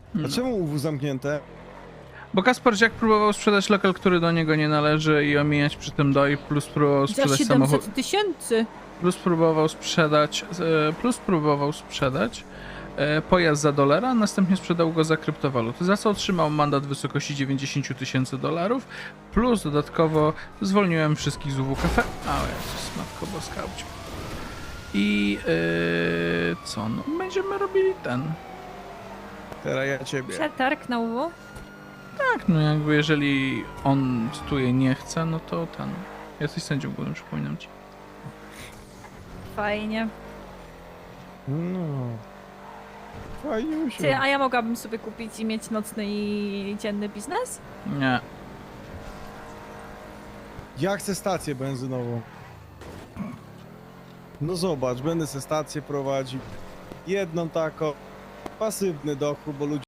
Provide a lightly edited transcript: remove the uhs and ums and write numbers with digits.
A czemu UW zamknięte? Bo Kasperziak próbował sprzedać lokal, który do niego nie należy i omijać przy tym DOI, plus próbował Za sprzedać 700 tysięcy. plus próbował sprzedać pojazd za $1, następnie sprzedał go za kryptowaluty, za co otrzymał mandat w wysokości $90,000, plus dodatkowo zwolniłem wszystkich z UW Cafe. A Jezus, Matko Boska. I co? No, będziemy robili ten. Teraz ja ciebie. Przetarg na UW. Tak, no jakby jeżeli on cytuję nie chce, no to ten. Jesteś sędzią głównym, przypominam ci. Fajnie. No. Fajnie Ty, usiąść. a ja mogłabym sobie kupić i mieć nocny i dzienny biznes? Nie. Ja chcę stację benzynową. No zobacz, będę se stację prowadził. Jedną taką. Pasywny dochód, bo ludzie